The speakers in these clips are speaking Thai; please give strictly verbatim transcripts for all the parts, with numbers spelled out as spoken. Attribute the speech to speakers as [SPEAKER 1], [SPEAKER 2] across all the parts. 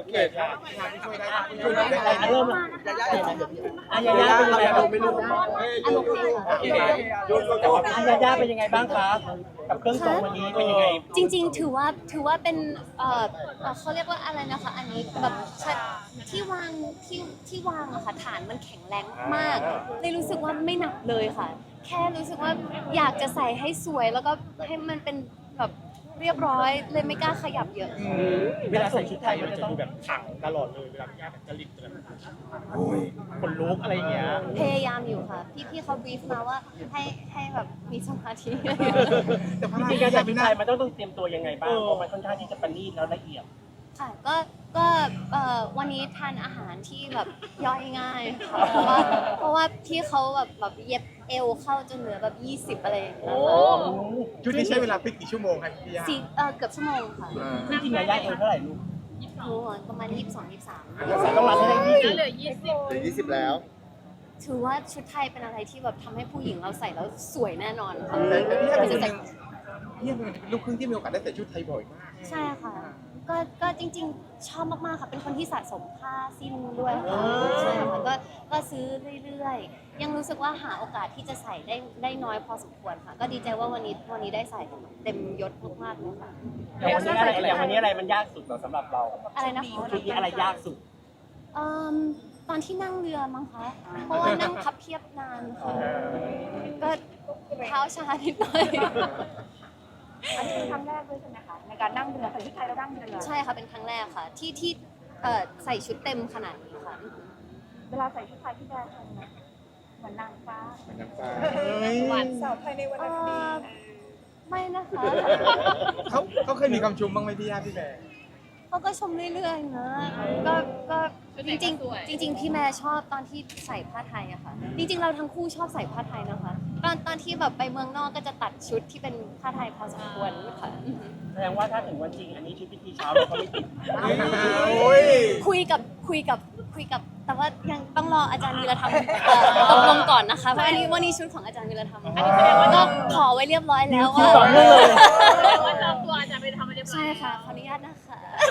[SPEAKER 1] เคค่ะช่วยได้ช่วยได้
[SPEAKER 2] เริ่มละอายาย่าเป็นยังไงบ้างไม่รู้โอเคอายาย่าเป็นยังไงบ้างคะกับเครื่องทรงวันนี้เป็นยังไง
[SPEAKER 3] จริงๆถือว่าถือว่าเป็นเอ่อเอ่อเขาเรียกว่าอะไรนะคะ อันนี้แบบชัดที่วางที่ที่วางอะค่ะฐานมันแข็งแรงมากเลยรู้สึกว่าไม่หนักเลยค่ะ แค่รู้สึกว่าอยากจะใส่ให้สวยแล้วก็ให้มันเป็นแบบเรียบร้อยเลยไม่กล้าขยับเยอะ
[SPEAKER 2] เวลาใส่ชุดไทยมันจะดูแบบขังตลอดเลยเวลาพี่ย่าแบบจริตแบบคนลุกอะไรอย่างเงี้ย
[SPEAKER 3] พยายามอยู่ค่ะ พี่พี่เขาบรีฟมาว่าให้ให้แบบมีสมาธิ
[SPEAKER 2] จริงๆการใส่ชุดไทยมันต้องต้องเตรียมตัวยังไงบ้างเพราะมันค่อนข้างที่จะประณีตแล้วละเอียด
[SPEAKER 3] ค่ะก็ก็เอ่อวันนี้ทานอาหารที่แบบย่อยง่ายค่ะเพราะว่าเพราะว่าที่เขาแบบแบบเย็บเอวเข้าจนเหลือแบบยี่สิบอะไรอย่างเงี้ยค่ะ
[SPEAKER 1] ชุดนี้ใช้เวลาพลิกกี่ชั่วโมงครับพี่ย่า
[SPEAKER 3] สี่เอ่อเกือบชั่วโมงค่ะ
[SPEAKER 2] จริงๆยาย่าเอวเท่าไหร่ลูก
[SPEAKER 3] โอ้โหประมาณยี่สิบสองยี่สิบสาม
[SPEAKER 2] ใส่ต้องมาให้ได้ยี่สิบ
[SPEAKER 4] เหลือยี่สิบ
[SPEAKER 1] เหลือยี่สิบแล้ว
[SPEAKER 3] ถือว่าชุดไทยเป็นอะไรที่แบบทำให้ผู้หญิงเราใส่แล้วสวยแน่นอนค่ะ
[SPEAKER 1] แต่พี่ย่า
[SPEAKER 3] ไม่
[SPEAKER 1] เป็น
[SPEAKER 3] ใช่
[SPEAKER 1] ค
[SPEAKER 3] ใส่
[SPEAKER 1] นพี่ย่าเป็นลูกครึ่งที่มีโอกาสได้ใส่ชุดไทยบ่อยมาก
[SPEAKER 3] ใช่ค่ะ ก็ก็จริงๆ ชอบมากๆค่ะเป็นคนที่สะสมผ้าสิ้นด้วยค่ะใช่ค่ะก็ก็ซื้อเรื่อยๆ ยังรู้สึกว่าหาโอกาสที่จะใส่ได้ได้น้อยพอสมควรค่ะ ก็ดีใจว่าวันนี้วันนี้ได้ใส่เต็มยศมากๆเลยค่ะ
[SPEAKER 2] อย่างวันนี้อะไรอย่างวันนี้อะไรมันยากสุดเหรอสำหรับเรา
[SPEAKER 3] อะไรนะคะ
[SPEAKER 2] ชุดนี้อะไรยากสุด
[SPEAKER 3] เอ่มตอนที่นั่งเรือมั้งคะ เพราะว่านั่งพับเพียบนานค่ะก็เท้าชานิดหน่อย
[SPEAKER 4] อันนี้เป็นครั้งแรกด้วยใช่ไหมคะในการนั่งเรือใส่ชุดไทยแล้วนั่งเรือ
[SPEAKER 3] ใช่ค่ะเป็นครั้งแรกค่ะ ที่ที่เอ่อใส่ชุดเต็มขนาดนี้ค่ะ
[SPEAKER 4] เวลาใส่ชุดไทยที่แบรนด์เหมือนนางฟ้า
[SPEAKER 1] เหมือนน้ำตา
[SPEAKER 4] หวานสาวไทยในวัน
[SPEAKER 3] เอ่
[SPEAKER 4] นี้
[SPEAKER 3] อไม่นะคะ
[SPEAKER 1] เขาเขาเคยมีคำชมบ้างไหมพี่ย่าพี่แบร์
[SPEAKER 3] เขาก็ชมเรื่อยๆนะก็ก็จริงๆจริง ๆ พี่แม่ชอบตอนที่ใส่ผ้าไทยอะค่ะ จริง ๆ เราทั้งคู่ชอบใส่ผ้าไทยนะคะ ตอนตอนที่แบบไปเมืองนอกก็จะตัดชุดที่เป็นผ้าไทยพอสมควรค่ะ
[SPEAKER 2] แสดงว่าถ้าถึงวันจริงอันนี้ชุดพิธีเช้าเราก็ไม่ติด
[SPEAKER 1] โอ้ย
[SPEAKER 3] คุยกับคุยกับคุยกับแต่ว่ายังต้องรออาจารย์วีรธรรมเอ่อตกลงก่อนนะคะเพราะอันนี้วันนี้ชุดของอาจารย์วีรธรรมก็ขอไว้เรียบร้อยแล้วว่า
[SPEAKER 4] ว่าจองตัวจะไปทำอะไรเรียบร้อย
[SPEAKER 3] ใช่ค่ะขออนุญาตนะคะ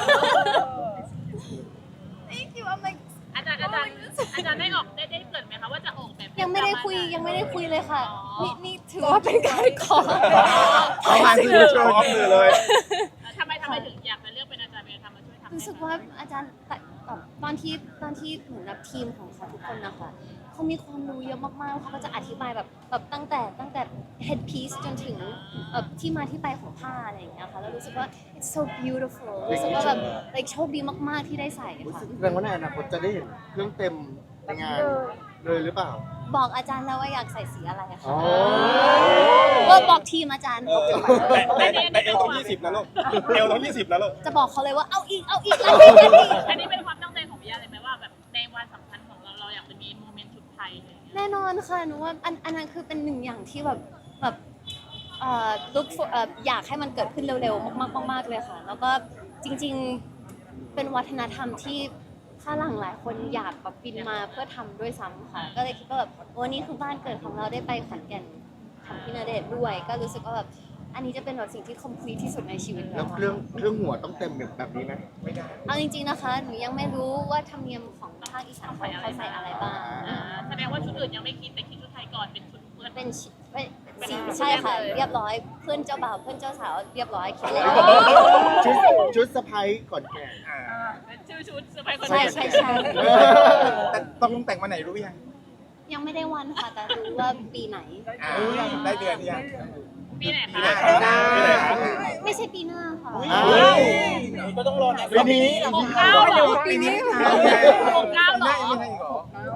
[SPEAKER 3] Thank you I'm like
[SPEAKER 4] อาจารย์อาจารย์อาจารย์ได้ออกได้ได้เกิดไหมคะว่าจะออกแบบ
[SPEAKER 3] ยังไม่ได้คุยยังไม่ได้คุยเลยค่ะ นี่นี่ถือว่าเป็นการขอ
[SPEAKER 1] เขามาที่โชว์มือเลย
[SPEAKER 4] ทำไมทำไมถึงอยากมาเลือกเป็นอาจารย์เป็นทำมาช่วยทำ
[SPEAKER 3] รู้สึกว่าอาจารย์แต่แบบตอนที่ตอนที่เหมือนแบบทีมของเขาทุกคนนะคะเขามีความรู้เยอะมากๆเขาก็จะอธิบายแบบแบบตั้งแต่ตั้งแต่ head piece จนถึงแบบที่มาที่ไปของผ้าอะไรอย่างเงี้ยค่ะแล้วรู้สึกว่า it's so beautiful รู้สึกว่าแบบ like โชคดีมากๆที่ได้ใส่ค่ะ
[SPEAKER 5] แสดงว่าในอนาคตจะได้เห็นเครื่องเต็มในงานเลยหรือเปล่า
[SPEAKER 3] บอกอาจารย์แล้วว่าอยากใส่สีอะไรอะ
[SPEAKER 5] อ๋
[SPEAKER 3] ค่ะ
[SPEAKER 5] อ
[SPEAKER 3] ก็บอกทีมอาจารย์
[SPEAKER 1] แต่แต่เอวต้องยี่สิบนะลูกเอวต้องยี่สิบนะลูก
[SPEAKER 3] จะบอกเขาเลยว่าเอาอีกเอาอีกเอาอีกเอาอีก
[SPEAKER 4] อันนี้เป็นความตั้งใจของพี่ยาเลยไหมว่าแบบในวันสำคัญของเราเราอยากจะมีโมเมนต์ชุดไทยอะไรอย่างเงี้ย
[SPEAKER 3] แน่นอนค่ะหนูว่าอันอันนั้นคือเป็นหนึ่งอย่างที่แบบแบบเอ่อ look for เอ่ออยากให้มันเกิดขึ้นเร็วๆมากๆมากๆเลยค่ะ แล้วก็จริงๆเป็นวัฒนธรรมที่ฝรั่งหลายคนอยากแบบบินมาเพื่อทำด้วยซ้ำค่ะ ก็เลยคิดว่าแบบวันนี้คือบ้านเกิดของเราได้ไปขอนแก่นของพี่ณเดชน์ด้วย ก็รู้สึกว่าแบบอันนี้จะเป็นแบบสิ่งที่ complete ที่สุดในชีวิต
[SPEAKER 5] แล้
[SPEAKER 3] แล้ว ว
[SPEAKER 5] เครื่องเครื่องหัวต้องเต็มแบบนี้ไหม
[SPEAKER 1] ไม่ได้
[SPEAKER 3] เอาจริงๆนะคะหนูยังไม่รู้ว่าธรรมเนียมของภาคอีสานเขาเขาใส่อะไรบ้าง
[SPEAKER 4] อ่าแสดงว่าชุดอื่นยังไม่คิดแต่คิดชุดไทยก่อนเป็นชุดเพื่อน
[SPEAKER 3] เป็นชิเป็นสีใช่ค่ะ เรียบร้อยเพื่อนเจ้าบ่าวเพื่อนเจ้าสาวเรียบร้อยคิดเลย
[SPEAKER 5] ชุดชุดสะพ้ายก่อนแก่ง
[SPEAKER 1] อ่า
[SPEAKER 4] เป็นชื่อชุดเซอร์ไพรส์คน
[SPEAKER 3] ใช่
[SPEAKER 4] เดียว
[SPEAKER 3] ใช่ใช่
[SPEAKER 1] แต่ต้องแต่งมาไหนรู้ยัง
[SPEAKER 3] ยังไม่ได้วันค่ะ แต่รู้ว่าปีไหน
[SPEAKER 1] อ่าได้เดือนยัง
[SPEAKER 4] ปีไหนคะ
[SPEAKER 1] ปีไหนปีไหนครับ
[SPEAKER 3] ไม่ใช่ปีหน้าค่ะ
[SPEAKER 5] อ้าว
[SPEAKER 2] ก็ต้องรอนะ
[SPEAKER 1] ปีนี้
[SPEAKER 4] หกเก้าเหรอ
[SPEAKER 1] ปีนี้
[SPEAKER 4] หกเก้าเหรอ
[SPEAKER 1] ไม่ใช่อีกเหรอ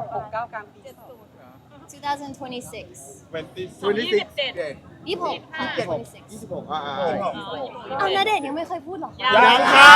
[SPEAKER 3] twenty twenty-six
[SPEAKER 4] ยี่สิบเจ็ด
[SPEAKER 1] เด็ด
[SPEAKER 3] ยี่สิบหกค่ะ
[SPEAKER 5] ยี่สิบหก
[SPEAKER 3] twenty-six
[SPEAKER 5] ยี่สิบหกอ่า
[SPEAKER 3] เอาณเดชน์ยังไม่เคยพูดหรอคะ
[SPEAKER 1] ยังค่ะ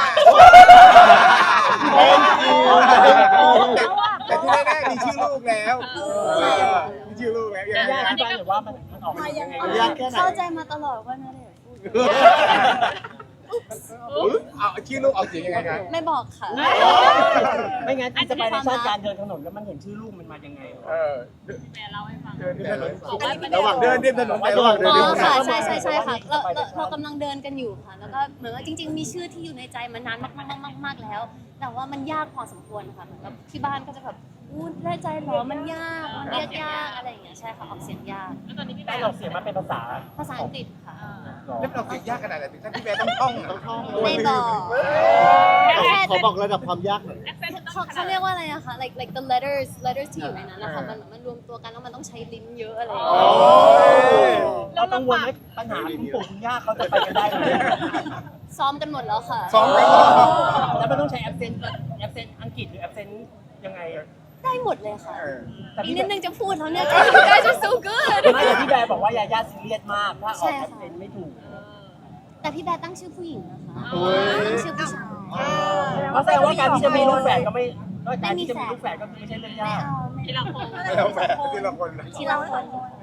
[SPEAKER 1] แต่ที่แน่ๆมีชื่อลูกแล้วมีชื่อลูกแล้วยัง
[SPEAKER 2] ยาก
[SPEAKER 1] ไง
[SPEAKER 2] อธิบายหรือว่ามันมันออกมายังไง
[SPEAKER 5] ยากแค่ไหน
[SPEAKER 3] เข้าใจมาตลอดว่าณเดชน์พูด
[SPEAKER 1] อุ๊ยเอาชื่อลูกเอาเสียงยังไงครับ
[SPEAKER 3] ไม่บอกค่ะ
[SPEAKER 2] ไม่งั้นอินสปิเรชันการเดินถนนแล้วมันเห็นชื่อลูกมันมายังไง
[SPEAKER 1] เออ
[SPEAKER 4] แม่เล่าให้ฟัง
[SPEAKER 1] เดินริมถนน
[SPEAKER 4] บอกว่าเป็น
[SPEAKER 5] ระหว่าง
[SPEAKER 1] เดินริมถนนไประหว่างเดิน
[SPEAKER 3] อ๋
[SPEAKER 1] ริม
[SPEAKER 3] อ
[SPEAKER 1] ถน
[SPEAKER 3] ค่ะ
[SPEAKER 1] น
[SPEAKER 3] ใช่ใช่ใช่ค่ะเราเราเรากำลังเดินกันอยู่ค่ะ แล้วก็เหมือนว่าจริง ๆ มีชื่อที่อยู่ในใจมานานมากมากมากมากแล้ว แต่ว่ามันยากพอสมควรค่ะเหมือนกับที่บ้านก็จะแบบอู้แน่ใจเหรอมันยากมันเรียกยากอะไรอย่างเงี้ยใช่ค่ะออกเสียงยาก
[SPEAKER 4] แล้วตอนนี้พี่แบ
[SPEAKER 2] ได้
[SPEAKER 4] ร์
[SPEAKER 2] ออกเสียงมาเป็นภาษา
[SPEAKER 3] ภาษาอังกฤษค่ะ
[SPEAKER 1] แล้วเราเสียงยากขนาดไหนถึงขั้นที่แม่ต้องท่องอะ
[SPEAKER 3] ไม่บอก
[SPEAKER 5] ขอบอกระดับความยากหน่อย
[SPEAKER 4] แอคเซนต์ต้อง
[SPEAKER 3] เขา
[SPEAKER 4] ขนา
[SPEAKER 3] เขา
[SPEAKER 4] ด
[SPEAKER 3] เรียกว่าอะไรนะคะ like like the letters letters ที่อยู่ในนั้นนะคะมันมันรวมตัวกันแล้วมันต้องใช้ลิ้นเยอะอะไรอย่างเงี้ย
[SPEAKER 2] เรากังวลไหมปัญหาคุณปู่คุณย่าเขาจะไปกันได้ไหม
[SPEAKER 3] ซ้อมกันหมดแล้วค่ะ
[SPEAKER 1] ซ้อมกันเหรอ
[SPEAKER 2] แล้วมันต้องใช้แอปเซนต์แอปเซนต์อังกฤษหรือแอปเซนต์ยังไง
[SPEAKER 3] ได้หมดเลยค่ะ
[SPEAKER 1] เออ
[SPEAKER 2] แต่
[SPEAKER 3] อีก
[SPEAKER 2] พี่
[SPEAKER 3] นิดนึงจะพูดแล้วเนี่ย you guys are so good
[SPEAKER 2] ไม่แต่พี่แบร์บอกว่ายาย่าซีเรียสมากถ้าอ
[SPEAKER 3] ใช่
[SPEAKER 2] อก
[SPEAKER 3] ค่ะ
[SPEAKER 2] แอปเซนต์ไม่ถูก
[SPEAKER 3] แต่พี่แบร์ตั้งชื่อผู้หญิงนะคะ
[SPEAKER 1] โอ้ย
[SPEAKER 3] ตั้งชื่อผู้ชาย
[SPEAKER 2] เพราะแสดงว่าการที่จะมีลูกแฝดก็ไม่การที่จะมีลูกแฝดก็คือไม่ใช่เรื่อง
[SPEAKER 3] ไม่
[SPEAKER 2] ยาก
[SPEAKER 3] เอาไม่
[SPEAKER 4] ทีละคน
[SPEAKER 1] แล้วแม่ทีละคนนะ
[SPEAKER 3] ทีละคน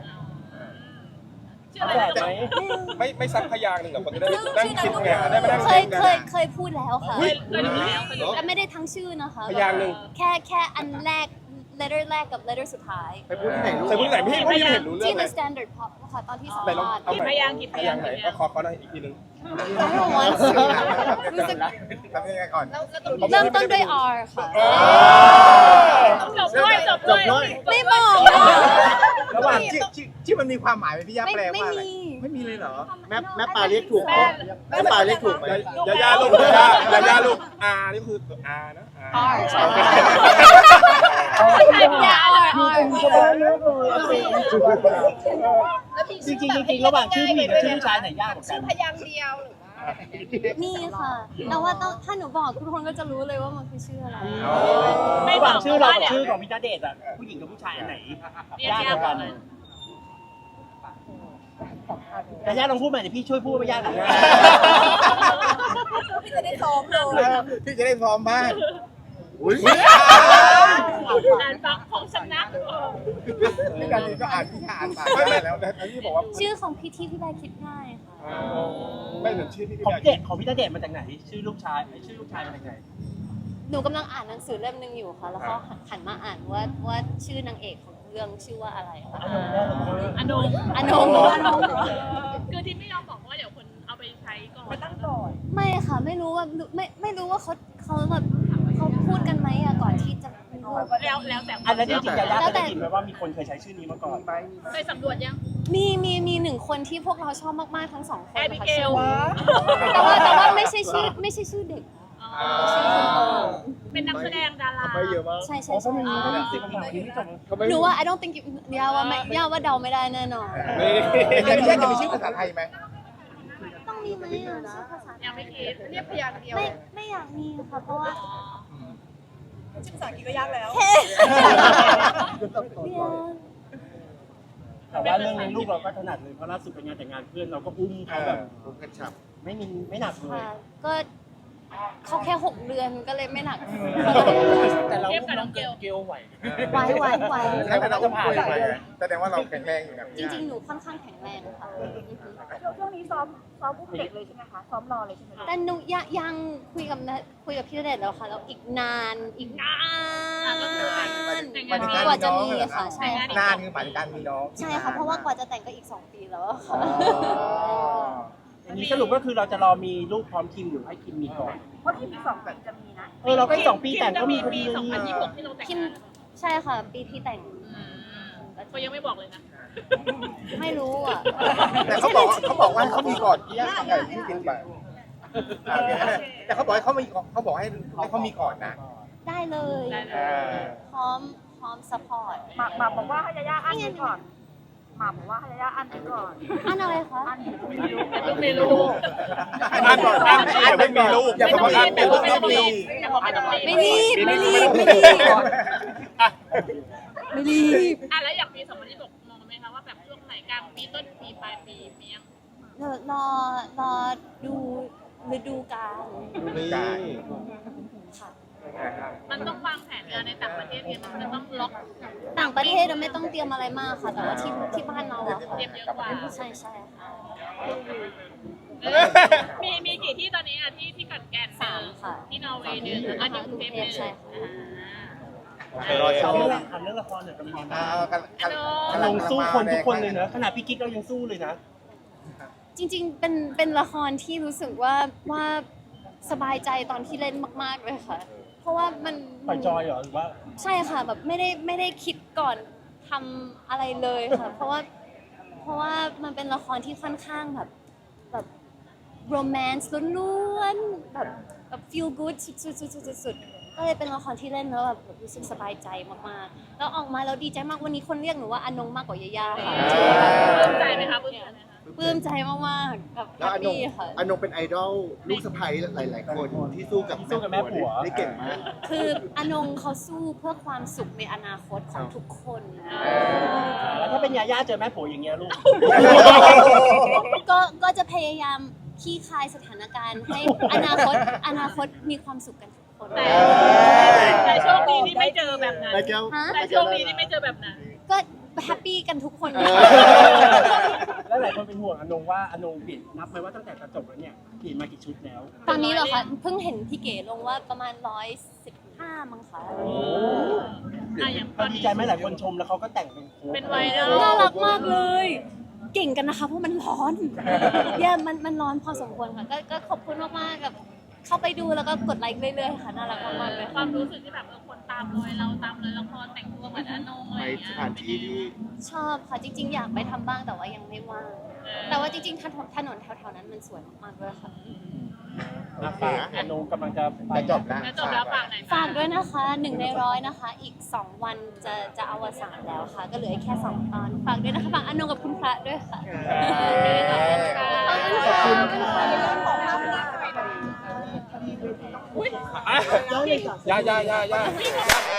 [SPEAKER 4] ชื่อ
[SPEAKER 2] เอา
[SPEAKER 4] อะไร
[SPEAKER 2] แฝด
[SPEAKER 4] นะ
[SPEAKER 2] ไหม
[SPEAKER 1] ไม่ไม่ซักพยางค์หนึ่งกับคนจะได้นั่งคิดไงได้มานั่ง
[SPEAKER 3] เค
[SPEAKER 1] คิ
[SPEAKER 3] ย
[SPEAKER 1] ดกัน
[SPEAKER 3] เคยเคยพูดแล้วค่ะ
[SPEAKER 4] เคยเคยดูแล้วเคยดูแล้ว
[SPEAKER 3] แต่ไม่ได้ทั้งชื่อนะคะ
[SPEAKER 1] พยางค์หนึ่ง
[SPEAKER 3] แค่แค่อันแรก letter แรกกับ letter สุดท้าย
[SPEAKER 5] ไปพูดที่ไหนลูก
[SPEAKER 1] แต่พูดไหนพี่ไม่เห็นรู้เรื่อ
[SPEAKER 3] ที่
[SPEAKER 1] งเล
[SPEAKER 3] the
[SPEAKER 1] ย
[SPEAKER 3] standard pop ค่ะตอนที่สัม
[SPEAKER 1] ไหนลอง
[SPEAKER 3] ภาษณ์
[SPEAKER 1] เอาใหม่
[SPEAKER 4] พยางค์กี่พยางค์
[SPEAKER 1] ไหนก็ขอเขาหน่อยอีกทีหนึง
[SPEAKER 3] I don't want to รู้สึก
[SPEAKER 1] ทำยังไงก่อน
[SPEAKER 3] เริ่มต้นด้วย R ค่ะ
[SPEAKER 4] จบด้วยจบด้วย
[SPEAKER 3] ไม่บอก
[SPEAKER 1] ระหว่างชื่อชื่อชื่อมันมีความหมายไหมพี่ย่า
[SPEAKER 3] ไม่
[SPEAKER 1] แปล
[SPEAKER 3] ไม่
[SPEAKER 1] ว่าอะไร
[SPEAKER 3] มี
[SPEAKER 1] ไม่มีเลยเหรอ
[SPEAKER 5] แม่แม่ปลาเรียกถูกไหมแม่ปลาเรียกถูกไหม
[SPEAKER 1] ยาย่าลูกยาย่ายาย่าลูกอานี่คือตัวอานะ
[SPEAKER 3] R ใช่
[SPEAKER 4] อย่า
[SPEAKER 3] R R
[SPEAKER 2] จริงจริงจริงระหว่างชื่อผู้หญิงกับชื่อผู้ชายไหนยากกว่ากัน
[SPEAKER 6] พยางค์เดียวหรือว่า
[SPEAKER 3] นี่ค่ะ แต่ว่าต้องถ้าหนูบอกทุกคนก็จะรู้เลยว่ามันคือชื่ออะไร
[SPEAKER 4] ไม่
[SPEAKER 2] ระห
[SPEAKER 4] บอ
[SPEAKER 2] ว่าง
[SPEAKER 4] ก
[SPEAKER 2] ชื่อเรา
[SPEAKER 4] ว่า
[SPEAKER 2] กับ
[SPEAKER 4] เดี๋ยว
[SPEAKER 2] ชื่อของพี่ณเดชน์อะผู้หญิงกับผู้ชายอันไหน
[SPEAKER 4] เรียก
[SPEAKER 2] ยาก
[SPEAKER 4] ยาก
[SPEAKER 2] ก
[SPEAKER 4] ก
[SPEAKER 2] ว่า
[SPEAKER 4] ว่า
[SPEAKER 2] กั
[SPEAKER 4] เล
[SPEAKER 2] น
[SPEAKER 4] ย
[SPEAKER 2] แต่ย่าลองพูดใหม่เดี๋ยวพี่ช่วยพูดไม่ยากหรอกนะ
[SPEAKER 6] พี่จะได้ซ้อมเลย
[SPEAKER 1] พี่จะได้พร้อมบ้าง
[SPEAKER 5] อุ้ย
[SPEAKER 4] อ่านฟังของสำนัก
[SPEAKER 1] พี่การีก็อ่านพี่อ่านไปไม่แล้วแต่พี่บอกว่า
[SPEAKER 3] ชื่อของพี่ที่พี่แบร์คิดง่ายค่ะ
[SPEAKER 1] ไม่ถึงชื่อพี่
[SPEAKER 2] ของ
[SPEAKER 1] พี่
[SPEAKER 2] เด็กของพี่ณเดชน์มาจากไหน ชื่อลูกชายไอ้ชื่อลูกชายมาจากไหน
[SPEAKER 3] หนูกำลังอ่านหนังสือเล่มหนึ่งอยู่ค่ะ แล้วก็หันมาอ่านว่าว่าชื่อนางเอกของเรื่องชื่อว่าอะไรค่ะ
[SPEAKER 2] อันนั้นได้หรือ
[SPEAKER 4] อนง
[SPEAKER 3] อนงอนง
[SPEAKER 4] คือที่ไม่ยอมบอกว่าเดี๋ยวคนเอาไปใช้ก่อน
[SPEAKER 6] ตั้งก่อน
[SPEAKER 3] ไม่ค่ะ ไม่รู้ว่าไม่ไม่รู้ว่าเขาเขาแบบเขาพูดกันไหมอะก่อนที่จะมีลูก
[SPEAKER 4] แล้วแล้วแต่
[SPEAKER 2] อันนั้นจริงๆยาย่า
[SPEAKER 3] แล้ว
[SPEAKER 2] เคย
[SPEAKER 3] แต่
[SPEAKER 2] ได้ยินไหมว่ามีคนเคยใช้ชื่อนี้มาก่อน
[SPEAKER 4] เคยสำรวจยัง
[SPEAKER 3] มีมีมีหนึ่งคนที่พวกเราชอบมากๆทั้งสองคน
[SPEAKER 4] แอบิ
[SPEAKER 3] ค่ะ
[SPEAKER 4] เกล
[SPEAKER 3] แต่ว่าแต่ว่าไม่ใช่ชื่อไม่ใช่ชื่อเด็ก
[SPEAKER 4] อ๋อเป็นนักแสดงดารา
[SPEAKER 5] ไม่เยอะมาก
[SPEAKER 3] ใช่ใช่
[SPEAKER 2] อ๋อก็
[SPEAKER 3] ใช่
[SPEAKER 2] มีก็มีสิบคำถามที่ไม่จบ
[SPEAKER 3] หนูว่า I don't think you ยาว่าไม่ยาว่าเดาไม่ได้แน่นอน
[SPEAKER 1] นี่พี่ย่าจะมีชื่อภาษาไทยไหม
[SPEAKER 3] ต้องมีไหมอะชื่อภาษา
[SPEAKER 4] ยังไม่คิด
[SPEAKER 6] เรียกพยางค์เดียว
[SPEAKER 3] ไม่ไม่อยากมีค่ะเพราะว่า
[SPEAKER 6] ชื่อภาษาอังกฤษก็ยากแล้ว
[SPEAKER 3] เบียร์
[SPEAKER 2] แต่ว่าเรื่องเลี้ยงลูกเราก็ถนัดเลยเพราะล่าสุดเป็นงานแต่งงานเพื่อนเราก็อุ้มเขาแบบ
[SPEAKER 5] ผมกระชับ
[SPEAKER 2] ไม่มีไม่หนักเลย
[SPEAKER 3] ค่ะก็เขาแค่หกเดือนก็เลยไม่หนัก
[SPEAKER 2] แต่เราอุ้มน้องเกลเกลไหว
[SPEAKER 3] ไหวไหวไหว
[SPEAKER 1] ใช่ไหมเราอุ้มคุยไปแสดงว่าเราแข็งแรงอยู่นะ
[SPEAKER 3] จริง ๆ หนูค่อนข้างแข็งแรงค่ะ
[SPEAKER 6] ช่วงนี้ซ้อมซ้อมอุ้มเด็กเลยใช่ไหมคะ ซ้อมรอเลยใช่ไหม
[SPEAKER 3] แต่หนูยังยังคุยกับนะคุยกับพี่ณเดชน์แล้วค่ะแล้วอีกนานอีกนาน
[SPEAKER 4] ก็คือแต่งงาน
[SPEAKER 3] กว่าจะมีค่ะใช่ค่ะ
[SPEAKER 1] นานคือหมายถึงการมีน้อง
[SPEAKER 3] ใช่ค่ะเพราะว่ากว่าจะแต่งก็อีกสองปีแล้วอะค่ะ
[SPEAKER 2] อย่างนี้สรุปก็คือเราจะรอมีลูกพร้อมคิมหรือให้คิมมีก่อน
[SPEAKER 6] เพราะที่มีสองปีจะมีนะ
[SPEAKER 2] เออเราก็อีกสองปีแต่งก็มีพอ
[SPEAKER 4] ปี
[SPEAKER 2] ดี
[SPEAKER 4] สองพันยี่สิบหกที่เราแต่ง
[SPEAKER 3] คิม
[SPEAKER 4] งาน
[SPEAKER 3] ใช่ค่ะ ปีที่แต่ง
[SPEAKER 4] เขายังไม่บอกเลยนะ
[SPEAKER 3] ไม่รู้อ่ะ
[SPEAKER 1] แต่เขาบอกเขาบอกว่าเขามีก่อนพี่ย่าไงที่กินไปแต่เขาบอกให้เขามีเขาบอกให้ให้เขามีก่อนนะ
[SPEAKER 3] ได้เลย
[SPEAKER 4] ได้เลย
[SPEAKER 3] พร้อมพร้อมซัพพอร์ต
[SPEAKER 6] หมากหมากบอกว่าให้ยาย่าอั้นไว้ก่อนหมากบอกว่าให้ยาย่าอั้นไว้ก่อน
[SPEAKER 3] อันอะไรคะ
[SPEAKER 6] อั้น
[SPEAKER 4] ลูกไม่รู้
[SPEAKER 1] อ่านก่อนอ่านอย่าไม่มีลูกอย่าบอกว่าอ่านเป็นลูกต้องมี
[SPEAKER 3] ไม่รีบไม่รีบไม่รีบไม่รีบ
[SPEAKER 4] อ่ะแล้วอยากปีสองพันยี่สิบหกมองไหมคะว่าแบบช่วงไหนกลางปีต้นปีปลายปีมียัง
[SPEAKER 3] เดี๋ยวรอรอดูฤดูกาล
[SPEAKER 5] นี่
[SPEAKER 3] ค่ะ
[SPEAKER 4] มันต้องวางแผนงานในต่างประเทศเนี่ยมันจะต้องล็อก
[SPEAKER 3] ต่างประเทศเราไม่ต้องเตรียมอะไรมากค่ะ แต่ว่าที่ที่บ้านเราอะค่ะ
[SPEAKER 4] เตรียมเยอะกว่า
[SPEAKER 3] ใช่ใช่ค่ะ
[SPEAKER 4] มีมีกี่ที่ตอนนี้อ่ะที่ที่ขอนแก่น
[SPEAKER 3] สามค่ะ
[SPEAKER 4] ที่นอร์เวย์หนึ่งแล้วก็ที่กรุงเทพหนึ่ง
[SPEAKER 3] ใช่ค่ะ
[SPEAKER 1] ไปรอช
[SPEAKER 2] ถาม
[SPEAKER 1] ม
[SPEAKER 2] เรื่องถามเรื่องละครหน่อยเป็นยังไง
[SPEAKER 1] อ่า
[SPEAKER 2] บ้าง
[SPEAKER 1] กันกัน
[SPEAKER 2] อานงสู้คนทุกคนเลยเนอะขนาดพี่กิ๊กเรายังสู้เลยนะ
[SPEAKER 3] จริงๆ เป็นเป็นละครที่รู้สึกว่าว่าสบายใจตอนที่เล่นมาก ๆ เลยค่ะ เพราะว่ามัน
[SPEAKER 2] ปล่อยจอยเหรอหรือว่า
[SPEAKER 3] ใช่ค่ะแบบไม่ได้ไม่ได้คิดก่อนทำอะไรเลยค่ะ เพราะว่าเพราะว่ามันเป็นละครที่ค่อนข้างแบบแบบโรแมนต์ล้วนๆแบบแบบ feel good สุดๆๆๆๆก็เลยเป็นละครที่เล่นแล้วแบบรู้สึกสบายใจมากๆ แล้วออกมาแล้วดีใจมากวันนี้คนเรียกหนูว่าอนงมากกว่ายาย่าค่ะ
[SPEAKER 4] ปลื้มใจไหมคะปลื้มใจไหมคะ
[SPEAKER 3] ปลื้มใจมากๆกับแฮ
[SPEAKER 5] แล้ว
[SPEAKER 3] ป
[SPEAKER 5] อนง
[SPEAKER 3] ปี้ค่ะ
[SPEAKER 5] อนงเป็นไอดอลลูกสะใภ้หลาย ๆ คนที่สู้กับ
[SPEAKER 2] สู้กับแม่ผัว
[SPEAKER 5] ได้เก่งมาก
[SPEAKER 3] คืออนงเขาสู้เพื่อความสุขในอนาคตของทุกคน
[SPEAKER 2] แล้วถ้าเป็นยาย่าเจอแม่ผัวอย่างเงี้ยลูก
[SPEAKER 3] ก็ก็จะพยายามขี้คายสถานการณ์ให้อนาคตอนาคตมีความสุขกันทุกคน
[SPEAKER 4] แต่แต่โชคดีที่ไม่เจอแบบนั้น
[SPEAKER 5] ได้แก้ว
[SPEAKER 3] ฮะ
[SPEAKER 4] แต่โชคดีที่ไม่เจอแบบนั้น
[SPEAKER 3] ก็แฮปปี้กันทุกคน
[SPEAKER 5] เออ
[SPEAKER 2] แล้วหลายคนเป็นห่วงอนงว่าอนงเปลี่ยนนับไหมว่าตั้งแต่กระจบแล้วเนี่ยเปลี่ยนมากี่ชุดแล้ว
[SPEAKER 3] ตอนนี้เหรอคะเพิ่งเห็นพี่เก๋ลงว่าประมาณร้อยสิบห้ามั้งคะ
[SPEAKER 4] อ่ะอย่างต
[SPEAKER 2] เรา
[SPEAKER 4] อน
[SPEAKER 2] ดี
[SPEAKER 4] นี้
[SPEAKER 2] ใจไหมหลายคนชมแล้วเขาก็แต่งเป็นโค้ก
[SPEAKER 4] เป็นไวรัล
[SPEAKER 3] น่ารักมากเลย เก่งกันนะคะเพราะมันร้อนเย่มันมันร้อนพอสมควรค่ะก็ก็ขอบคุณมากๆกับเข้าไปดูแล้วก็กดไลค์เรื่อยๆค่ะน่ารักมากๆเลย
[SPEAKER 4] ความรู้สึกที่แบบเออคนตามรอยเราตามรอยละครแต่งตัวเหมือนอนงอะไร
[SPEAKER 5] ไป
[SPEAKER 4] อย่างเงี้
[SPEAKER 5] ส
[SPEAKER 4] ย
[SPEAKER 5] ถานที่ที่
[SPEAKER 3] ชอบค่ะจริง ๆ อยากไปทำบ้างแต่ว่ายังไม่ว่าง แต่ว่าจริงๆถนนถนนแถวๆนั้นมันสวยมากๆเลยค่ะ
[SPEAKER 2] อ่ะฝากอนงกำลังจะไป
[SPEAKER 1] จะจบแล้ว
[SPEAKER 4] แล้วจบแล้วฝากไหนอย
[SPEAKER 3] ฝากด้วยนะคะหนึ่งในร้อยนะคะ อีกสองวันจะจะอวสานแล้วค่ะ ก็เหลืออีกแค่สองตอนฝากด้วยนะคะฝากอนงกับคุณพระด้วยค่ะ
[SPEAKER 4] ขอบคุณค่ะ
[SPEAKER 3] ขอบคุณค่ะ
[SPEAKER 1] ย่าย่าย่าย่า